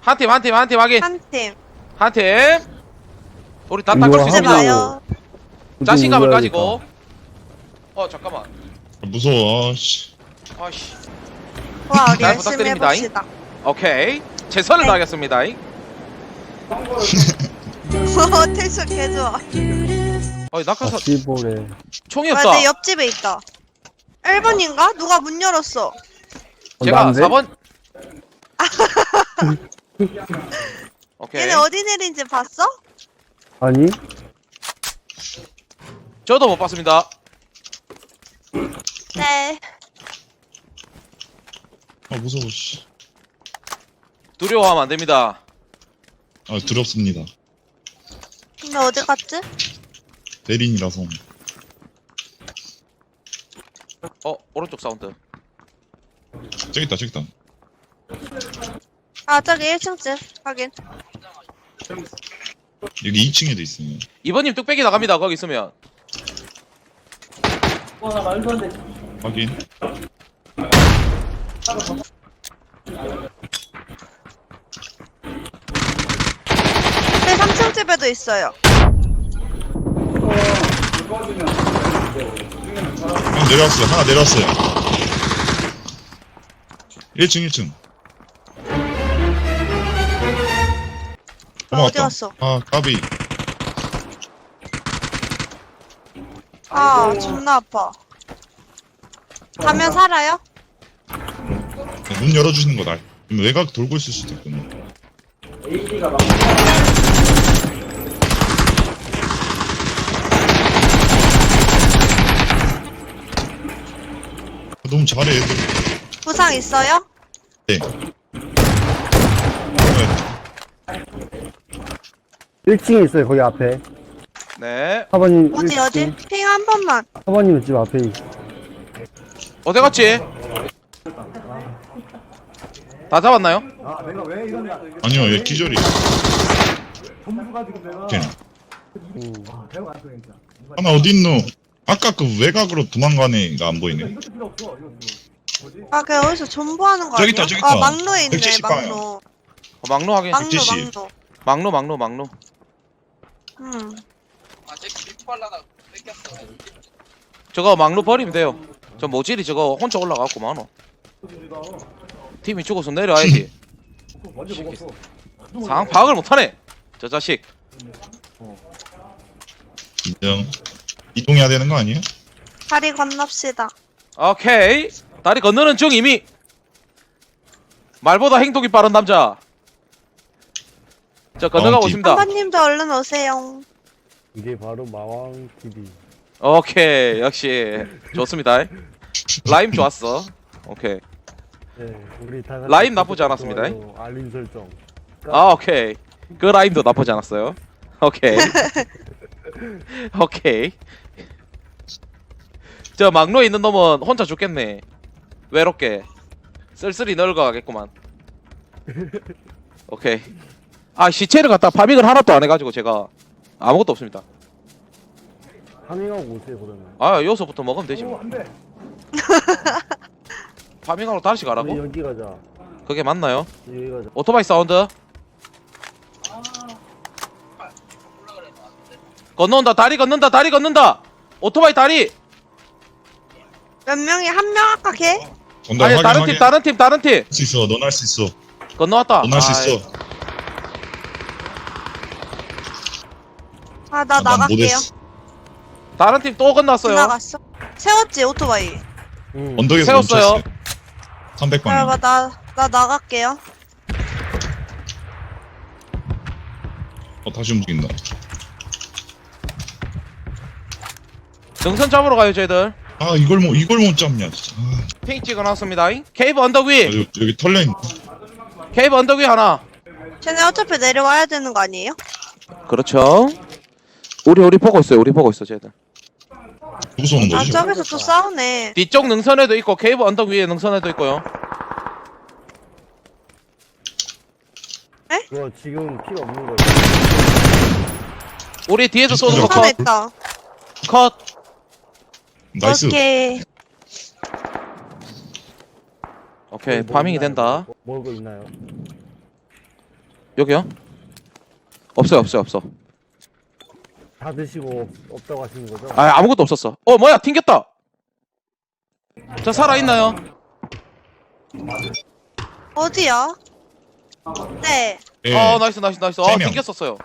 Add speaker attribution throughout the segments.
Speaker 1: 한 팀 확인.
Speaker 2: 한 팀.
Speaker 1: 한 팀. 우리 다 닦을 수
Speaker 2: 이제
Speaker 1: 있습니다.
Speaker 2: 봐요.
Speaker 1: 자신감을 가지고. 잠깐만.
Speaker 3: 무서워. 씨.
Speaker 1: 아씨.
Speaker 2: 와, 우리
Speaker 1: 잘
Speaker 2: 열심히
Speaker 1: 부탁드립니다.
Speaker 2: 해봅시다.
Speaker 1: 오케이. 최선을
Speaker 2: 네.
Speaker 1: 다하겠습니다.
Speaker 2: 텐션 개좋아.
Speaker 1: 낙하산
Speaker 4: 시보래.
Speaker 1: 총이
Speaker 2: 와,
Speaker 1: 없어.
Speaker 2: 내 옆집에 있다. 1번인가? 누가 문 열었어?
Speaker 1: 제가
Speaker 4: 난데?
Speaker 1: 4번. 오케이.
Speaker 2: 얘네 어디 내린지 봤어?
Speaker 4: 아니?
Speaker 1: 저도 못 봤습니다.
Speaker 2: 네.
Speaker 3: 무서워. 씨.
Speaker 1: 두려워하면 안 됩니다.
Speaker 3: 두렵습니다.
Speaker 2: 근데 어디 갔지?
Speaker 3: 대린이라서.
Speaker 1: 오른쪽 사운드.
Speaker 3: 저기 있다.
Speaker 2: 아, 저기 1층집. 확인.
Speaker 3: 여기 2층에도 있어요.
Speaker 1: 이번님 뚝배기 나갑니다. 거기 있으면.
Speaker 3: 확인.
Speaker 2: 네, 3층집에도 있어요.
Speaker 3: 형 내려왔어요. 하나 내려왔어요. 1층.
Speaker 2: 어디 갔어?
Speaker 3: 까비.
Speaker 2: 아, 존나 아파. 가면 살아요?
Speaker 3: 문 열어주시는 거 날. 외곽 돌고 있을 수도 있거든요. 너무 잘해 애들.
Speaker 2: 부상 있어요?
Speaker 3: 네.
Speaker 4: 1층에 있어요, 거기 앞에.
Speaker 1: 네.
Speaker 4: 사번님.
Speaker 2: 어디? 핑 한 번만.
Speaker 4: 사번님 집 앞에.
Speaker 1: 어디 갔지? 다 잡았나요?
Speaker 3: 아니요 얘 기절이. 오케이. 하나 어딨노? 아까 그 외곽으로 도망간 애가 안 보이네.
Speaker 2: 아, 걔 어디서 존버하는 거
Speaker 3: 저기
Speaker 2: 아니야?
Speaker 3: 있다, 저기
Speaker 2: 아,
Speaker 3: 있다.
Speaker 2: 막로에 있네,
Speaker 3: 170 방향.
Speaker 2: 막로.
Speaker 1: 막로 확인.
Speaker 2: 막로,
Speaker 3: 170.
Speaker 2: 막로.
Speaker 1: 저거 막로 버리면 돼요. 저 모질이 저거 혼자 올라가고 많어. 팀이 죽어서 내려와야지. 상황 파악을 못하네. 저 자식.
Speaker 3: 인정. 이동해야 되는 거 아니에요?
Speaker 2: 다리 건넙시다.
Speaker 1: 오케이. 다리 건너는 중 이미. 말보다 행동이 빠른 남자. 저 건너가고
Speaker 3: 마왕팀.
Speaker 1: 있습니다.
Speaker 2: 한번님도 얼른 오세요.
Speaker 4: 이게 바로 마왕 TV.
Speaker 1: 오케이. 역시 좋습니다. 라임 좋았어. 오케이.
Speaker 4: 네, 우리 다
Speaker 1: 라임 나쁘지 않았습니다.
Speaker 4: 좋아요, 알림 설정.
Speaker 1: 오케이. 그 라임도 나쁘지 않았어요. 오케이. 오케이. 저 막로에 있는 놈은 혼자 죽겠네. 외롭게. 쓸쓸히 늙어가겠구만. 오케이. 시체를 갖다 파밍을 하나도 안 해가지고 제가 아무것도 없습니다.
Speaker 4: 파밍하고 오세요, 그러면.
Speaker 1: 여기서부터 먹으면 되지 뭐. 파밍하러 다시
Speaker 4: 우리
Speaker 1: 가라고?
Speaker 4: 여기 가자.
Speaker 1: 그게 맞나요?
Speaker 4: 여기 가자.
Speaker 1: 오토바이 사운드. 건너온다. 다리 건넌다. 오토바이 다리.
Speaker 2: 몇 명이 한 명 아까 걔?
Speaker 3: 전달
Speaker 1: 아니 다른 팀.
Speaker 3: 할 수 있어. 넌 할 수 있어.
Speaker 1: 건너왔다.
Speaker 3: 넌 할 수 있어.
Speaker 2: 아, 나
Speaker 3: 난
Speaker 2: 나갈게요.
Speaker 3: 못했어.
Speaker 1: 다른 팀 또 건넜어요.
Speaker 2: 지나갔어. 세웠지, 오토바이.
Speaker 3: 언덕에서
Speaker 1: 세웠어요.
Speaker 3: 멈췄어. 300방향.
Speaker 2: 그래봐, 나 나갈게요.
Speaker 3: 다시 움직인다.
Speaker 1: 능선 잡으러 가요 저희들.
Speaker 3: 이걸 못 잡냐 진짜.
Speaker 1: 핑 찍어놨습니다. 케이브 언덕 위.
Speaker 3: 여기 털레인.
Speaker 1: 케이브 언덕 위 하나.
Speaker 2: 쟤네 어차피 내려와야 되는 거 아니에요?
Speaker 1: 그렇죠. 우리 보고 있어 쟤들.
Speaker 3: 누구서 오는
Speaker 2: 아,
Speaker 3: 거지?
Speaker 2: 저기서 또 싸우네.
Speaker 1: 뒤쪽 능선에도 있고 케이브 언덕 위에 능선에도 있고요.
Speaker 4: 그거 지금 필요 없는 거예요.
Speaker 1: 우리 뒤에서 쏘는 거
Speaker 3: 컷.
Speaker 1: 컷.
Speaker 2: 있다.
Speaker 1: 컷.
Speaker 3: 나이스.
Speaker 2: 오케이.
Speaker 1: 오케이 파밍이 된다.
Speaker 4: 먹을 거 있나요?
Speaker 1: 여기요? 없어요 없어요 없어.
Speaker 4: 다 드시고 없다고 하시는 거죠?
Speaker 1: 아 아무것도 없었어. 뭐야 튕겼다. 저 살아있나요?
Speaker 2: 어디야? 네.
Speaker 3: 예.
Speaker 1: 나이스 나이스 나이스.
Speaker 3: 세 명.
Speaker 1: 튕겼었어요.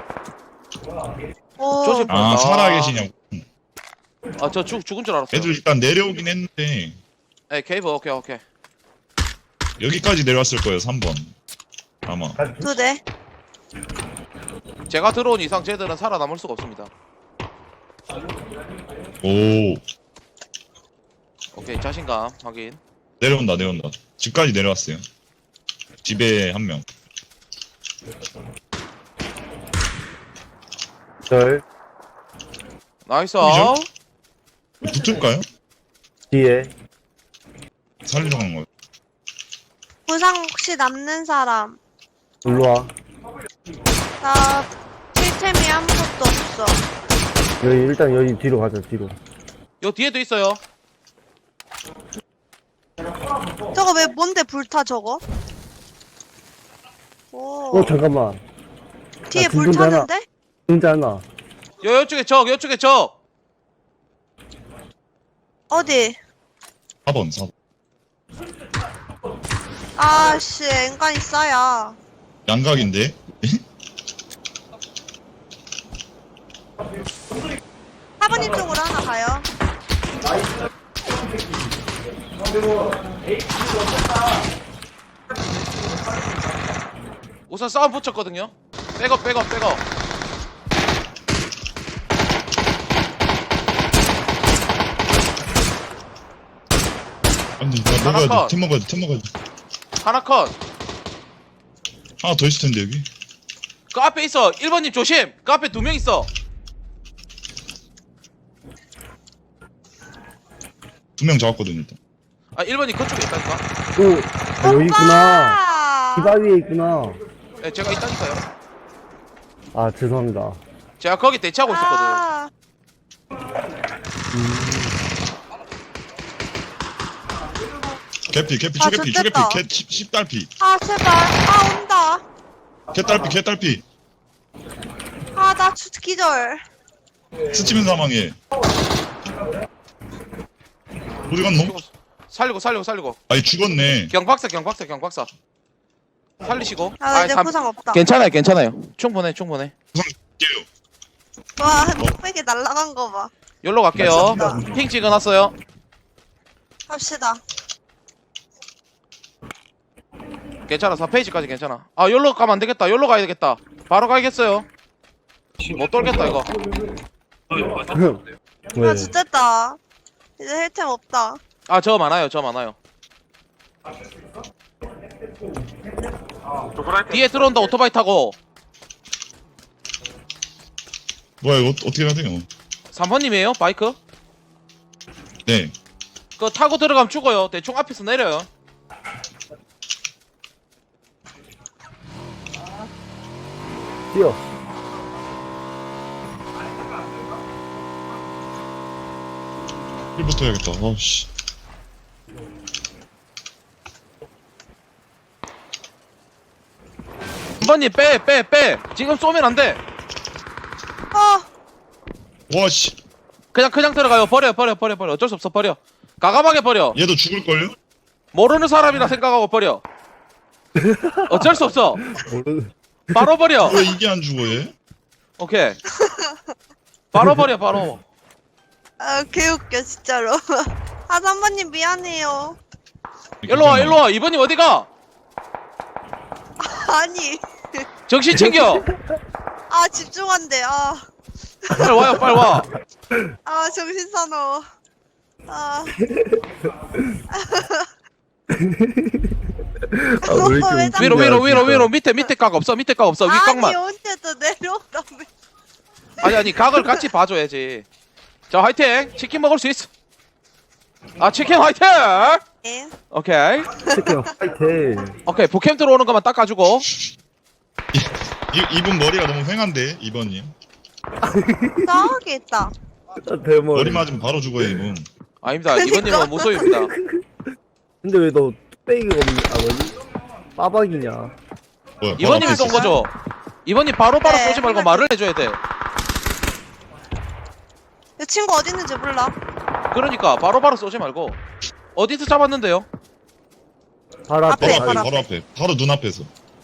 Speaker 2: 오.
Speaker 1: 조심.
Speaker 3: 아 살아 계시냐고.
Speaker 1: 저 죽은 줄 알았어요.
Speaker 3: 애들 일단 내려오긴 했는데
Speaker 1: 네 케이브 오케이.
Speaker 3: 여기까지 내려왔을 거예요 3번 아마.
Speaker 2: 2대.
Speaker 1: 제가 들어온 이상 쟤들은 살아남을 수가 없습니다.
Speaker 3: 오
Speaker 1: 오케이 자신감 확인.
Speaker 3: 내려온다. 집까지 내려왔어요. 집에 한 명.
Speaker 4: 절
Speaker 1: 나이스.
Speaker 3: 그죠? 붙을까요?
Speaker 4: 뒤에
Speaker 3: 살리러 간 거예요.
Speaker 2: 부상 혹시 남는 사람?
Speaker 4: 일로와.
Speaker 2: 나 칠템이 아무것도 없어.
Speaker 4: 여기 일단 여기 뒤로 가자 뒤로.
Speaker 1: 요 뒤에도 있어요.
Speaker 2: 저거 왜 뭔데 불타 저거? 오.
Speaker 4: 잠깐만.
Speaker 2: 뒤에
Speaker 4: 나
Speaker 2: 불
Speaker 4: 죽은 줄 알아.
Speaker 2: 타는데?
Speaker 4: 진짜 하나.
Speaker 1: 요쪽에 적.
Speaker 2: 어디?
Speaker 3: 4번.
Speaker 2: 아씨 엔간히 싸야.
Speaker 3: 양각인데?
Speaker 2: 사번님 쪽으로 하나 가요.
Speaker 1: 우선 싸움 붙였거든요. 백업.
Speaker 3: 안돼 나
Speaker 1: 하나
Speaker 3: 먹어야
Speaker 1: 컷.
Speaker 3: 돼. 팀 먹어야 돼.
Speaker 1: 하나 컷.
Speaker 3: 하나 더 있을 텐데 여기.
Speaker 1: 그 앞에 있어. 1번님 조심. 그 앞에 2명 있어.
Speaker 3: 2명 잡았거든 일단.
Speaker 1: 1번님 그쪽에 있다니까.
Speaker 4: 오, 여기 있구나.
Speaker 2: 오빠!
Speaker 4: 이 위에 있구나.
Speaker 1: 네, 제가 있다니까요.
Speaker 4: 아 죄송합니다.
Speaker 1: 제가 거기 대치하고 있었거든.
Speaker 2: 아,
Speaker 3: 개피
Speaker 2: 아,
Speaker 3: 초개피
Speaker 2: 좋겠다.
Speaker 3: 개 10달피.
Speaker 2: 아 제발. 아 온다.
Speaker 3: 개딸피.
Speaker 2: 아 나 기절.
Speaker 3: 스치면 사망해. 어디 갔노?
Speaker 1: 살리고.
Speaker 3: 아니 죽었네.
Speaker 1: 경박사. 살리시고.
Speaker 2: 아 나 이제
Speaker 1: 삼-
Speaker 2: 부상 없다.
Speaker 1: 괜찮아요. 충분해.
Speaker 3: 부상 줄게요.
Speaker 2: 와 뚝배기 날라간 거 봐.
Speaker 1: 여기로 갈게요.
Speaker 2: 맞습니다.
Speaker 1: 핑 찍어놨어요.
Speaker 2: 갑시다.
Speaker 1: 괜찮아. 4페이지까지 괜찮아. 여기로 가면 안 되겠다. 여기로 가야 되겠다. 바로 가야겠어요. 못 돌겠다 이거.
Speaker 4: 왜?
Speaker 2: 아 죽겠다. 이제 헬템 없다.
Speaker 1: 저 많아요. 뒤에 들어온다. 오토바이 타고.
Speaker 3: 뭐야 이거 어떻게 해야 돼요?
Speaker 1: 3번님이에요? 바이크?
Speaker 3: 네.
Speaker 1: 그거 타고 들어가면 죽어요. 대충 앞에서 내려요.
Speaker 4: 뛰어.
Speaker 3: 힐부터 해야겠다. 아씨.
Speaker 1: 한번님 빼. 지금 쏘면 안 돼.
Speaker 3: 와씨.
Speaker 1: 그냥 들어가요. 버려. 어쩔 수 없어. 버려. 가감하게 버려.
Speaker 3: 얘도 죽을걸요?
Speaker 1: 모르는 사람이라 생각하고 버려. 어쩔 수 없어. 바로 버려.
Speaker 3: 왜 이게 안 죽어 얘?
Speaker 1: 오케이. 바로 버려. 바로.
Speaker 2: 아 개웃겨 진짜로. 아 3번님 미안해요.
Speaker 1: 일로 와. 이번님 어디가?
Speaker 2: 아니.
Speaker 1: 정신 챙겨.
Speaker 2: 아 집중한대.
Speaker 1: 빨리 와.
Speaker 2: 아 정신 사나워. 아.
Speaker 4: 왜
Speaker 2: 오빠 왜
Speaker 4: 이렇게
Speaker 2: 자꾸-
Speaker 1: 위로. 밑에 각 없어. 위
Speaker 2: 아니
Speaker 1: 각만.
Speaker 2: 언제 또 내려오라며.
Speaker 1: 아니 각을 같이 봐줘야지. 자 화이팅. 치킨 먹을 수 있어. 치킨 화이팅.
Speaker 2: 네.
Speaker 1: 오케이.
Speaker 4: 치킨 화이팅.
Speaker 1: 오케이. 부캠 들어오는 것만 닦아주고.
Speaker 3: 이분 머리가 너무 휑한데 이번님.
Speaker 2: 저기 있다.
Speaker 3: 머리
Speaker 4: 대머리.
Speaker 3: 맞으면 바로 죽어요 이분.
Speaker 1: 아닙니다.
Speaker 2: 그러니까.
Speaker 1: 이번님은 무소유입니다.
Speaker 4: 근데 왜 너 뚝배기가 없니? 뭐지? 빠박이냐?
Speaker 3: 뭐야, 바로
Speaker 1: 이번님이
Speaker 3: 앞에
Speaker 1: 쏜
Speaker 3: 있었어.
Speaker 1: 거죠? 이번님 바로바로
Speaker 2: 네,
Speaker 1: 쏘지 말고
Speaker 2: 한번
Speaker 1: 말을 해줘야 돼.
Speaker 2: 이 친구 어디 있는지 몰라.
Speaker 1: 그러니까 바로바로 쏘지 말고. 어디서 잡았는데요?
Speaker 4: 바로 앞에.
Speaker 2: 앞에,
Speaker 3: 바로 앞에,
Speaker 2: 바로
Speaker 3: 바로 앞에, 바로 눈앞에서.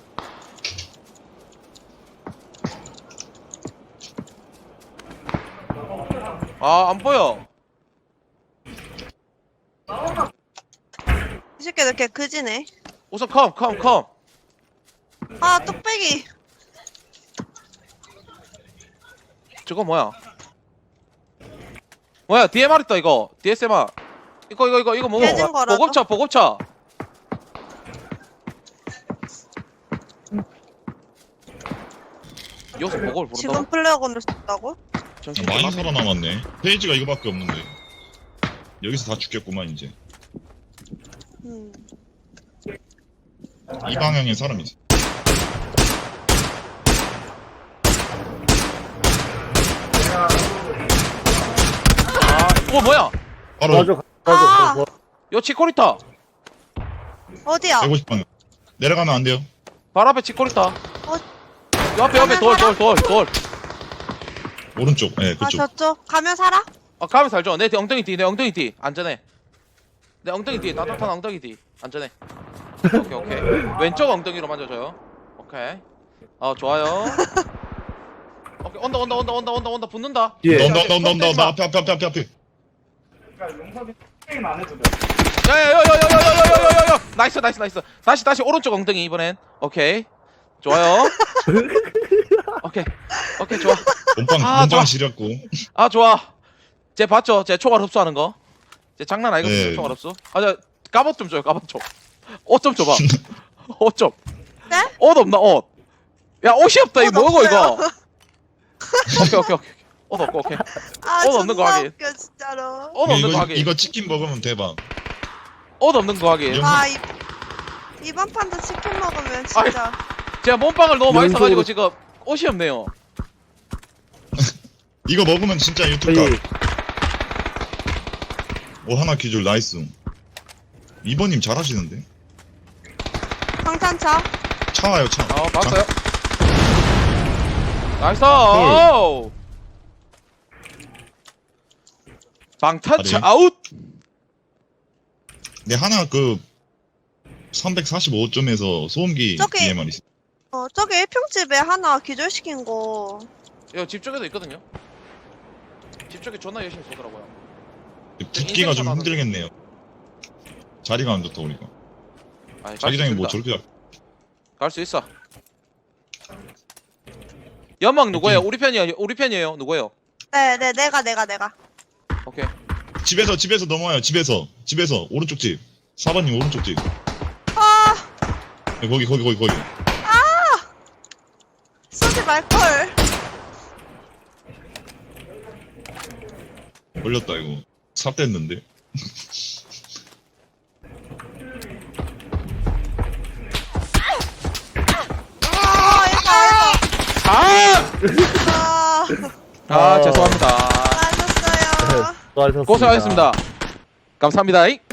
Speaker 1: 아, 안 보여.
Speaker 2: 이 새끼 이렇게 그지네.
Speaker 1: 우선 컴.
Speaker 2: 아 뚝배기.
Speaker 1: 저거 뭐야? 뭐야? DMR 있다 이거. DSMR. 이거 뭐?
Speaker 2: 깨진 거라도?
Speaker 1: 보급차. 여기서 보급을
Speaker 2: 지금
Speaker 1: 부른다고?
Speaker 2: 플레어건을 썼다고?
Speaker 1: 정신
Speaker 3: 많이
Speaker 1: 나갔네.
Speaker 3: 살아남았네. 페이지가 이거밖에 없는데. 여기서 다 죽겠구만 이제. 이 방향에 사람이 있어.
Speaker 1: 뭐야?
Speaker 3: 바로
Speaker 4: 맞아.
Speaker 2: 아!
Speaker 1: 요 치코리타.
Speaker 2: 어디야?
Speaker 3: 150방향. 내려가면 안 돼요.
Speaker 1: 발 앞에 치코리타. 요 앞에
Speaker 2: 가면
Speaker 1: 돌.
Speaker 3: 오른쪽. 네,
Speaker 2: 아
Speaker 3: 그쪽.
Speaker 2: 저쪽 가면 살아?
Speaker 1: 가면 살죠. 내 엉덩이 뒤. 안전해. 내 엉덩이 뒤. 따뜻한 엉덩이 뒤. 안전해. 오케이. 왼쪽 엉덩이로 만져줘요. 오케이. 좋아요. 오케이. 온다. 붙는다.
Speaker 4: 예.
Speaker 3: 온다. 앞에.
Speaker 1: 야야야야야야야야야야. 나이스. 다시 오른쪽 엉덩이 이번엔. 오케이. 좋아요. 오케이 좋아.
Speaker 3: 몸빵
Speaker 1: 좋아.
Speaker 3: 지렸고.
Speaker 1: 좋아. 쟤 봤죠? 쟤 총알 흡수하는 거. 쟤 장난 아니거든요.
Speaker 3: 네.
Speaker 1: 총알 흡수. 저 갑옷 좀 줘요. 갑옷 좀. 옷 좀 줘봐. 옷 좀.
Speaker 2: 네?
Speaker 1: 옷 없나 옷? 야 옷이 없다.
Speaker 2: 옷
Speaker 1: 이거 뭐고
Speaker 2: 없어요.
Speaker 1: 이거? 오케이. 옷 없고 오케이.
Speaker 2: 아
Speaker 1: 옷 없는 거
Speaker 2: 존나
Speaker 1: 확인.
Speaker 2: 웃겨 진짜로.
Speaker 1: 옷 없는 거 하기.
Speaker 3: 이거 치킨 먹으면 대박.
Speaker 1: 옷 없는 거 하기.
Speaker 3: 영-
Speaker 2: 아 이번 판도 치킨 먹으면 진짜.
Speaker 1: 제가 몸빵을 너무 많이
Speaker 4: 연속으로-
Speaker 1: 써가지고 지금 옷이 없네요.
Speaker 3: 이거 먹으면 진짜 유튜브
Speaker 4: 저희
Speaker 3: 가. 하나 기줄 나이스. 2번님 잘하시는데.
Speaker 2: 방탄차.
Speaker 3: 차 와요 차.
Speaker 1: 봤어요. 나이스.
Speaker 3: 헐.
Speaker 1: 오. 방탄차
Speaker 3: 아니.
Speaker 1: 아웃.
Speaker 3: 네 하나 345점에서 소음기
Speaker 2: 저기-
Speaker 3: DMR 있어.
Speaker 2: 저기 1평집에 하나 기절시킨 거.
Speaker 1: 이거 집 쪽에도 있거든요. 집 쪽에 존나 열심히 쏘더라고요.
Speaker 3: 붙기가 좀 힘들겠네요. 자리가 안 좋다 보니까. 자기장이 뭐 저렇게
Speaker 1: 갈수 있어. 연막 누구예요? 우리 편이에요. 누구예요?
Speaker 2: 네 내가.
Speaker 1: 오케이.
Speaker 3: 집에서 넘어와요. 집에서 오른쪽 집. 4번님 오른쪽 집.
Speaker 2: 아
Speaker 3: 네, 거기.
Speaker 2: 쏘지 말걸.
Speaker 3: 걸렸다 이거. 삽됐는데.
Speaker 2: 아
Speaker 1: 죄송합니다.
Speaker 2: 수고하셨어요.
Speaker 4: 수고하셨습니다.
Speaker 1: 고생하셨습니다. 감사합니다.